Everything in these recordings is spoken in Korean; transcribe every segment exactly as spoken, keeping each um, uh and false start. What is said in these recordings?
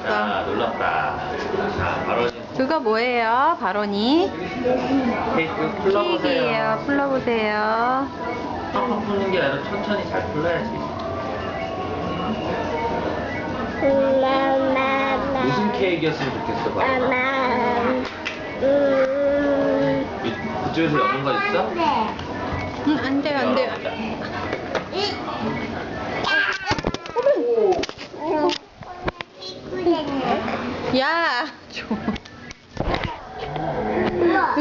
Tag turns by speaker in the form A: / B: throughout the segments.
A: 자, 놀랍다. 자, 바로
B: 그거 뭐예요, 바로니?
A: 케이크 풀러보세요.
B: 케이크예요. 풀러보세요.
A: 팍팍 푸는 게 아니라 천천히 잘 풀러야지. 무슨 케이크였으면 좋겠어, 바로나? 이- 이쪽에서 여는 거 있어?
B: 응, 안 돼, 안 돼. 야, 줘. 우와.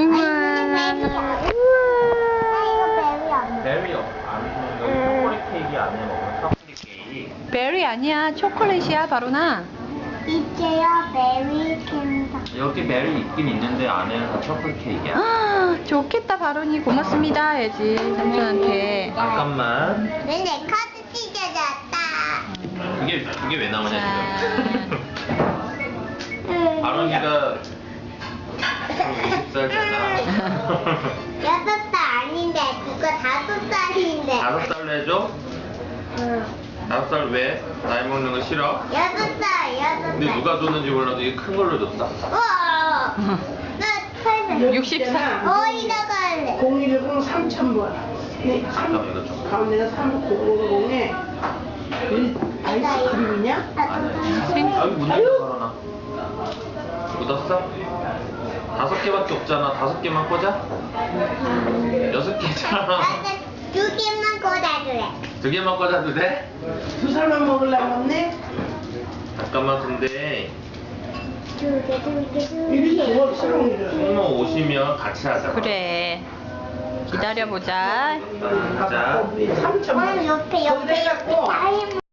A: 베리 안 먹는 초콜릿 케이크 안에 먹는 초콜릿 케이크.
B: 베리 아니야, 초콜릿이야, 바로나.
C: 이제요 베리 캔다.
A: 여기 베리 있긴 있는데 안에는 다 초콜릿 케이크야.
B: 아, 좋겠다, 바로니. 고맙습니다, 해야지, 삼촌한테.
A: 잠깐만.
C: 내 카드 찢어졌다.
A: 그게 그게 왜 나오냐 지금?
C: 응.
A: 아론이가 오십 살잖아.
C: 여섯 살 아닌데 그거 다섯 살인데.
A: 다섯 살로 해줘?
C: 응.
A: 다섯 살 왜? 나이 먹는 거 싫어?
C: 여섯 살 여섯 살.
A: 근데 누가 줬는지 몰라도 이게 큰 걸로 줬어.
C: 우와. 나 팔백.
B: 육십 살.
C: 어디다가 할래?
D: 공일공 삼천 번. 네,
A: 잠깐만 이거 좀.
D: 가운데가 삼공공에 아이스크림이냐?
A: 아니. 여기 묻는 거 걸어놔. 묻었어? 다섯 개밖에 없잖아. 다섯 개만 꽂아? 여섯 개잖아.
C: 나는 두 개만 꽂아줄래.
A: 두 개만 꽂아도 돼?
D: 두 살만 먹으려고 했네?
A: 잠깐만 근데
C: 두 개, 두 개, 두 개.
D: 이리 줘, 새로운
A: 숙모 오시면 같이 하자.
B: 그래. 기다려보자.
A: 자.
D: 삼천 번.
C: 오늘 옆에 옆에
D: 거기다
C: 옆에
D: 갖고
C: 타임.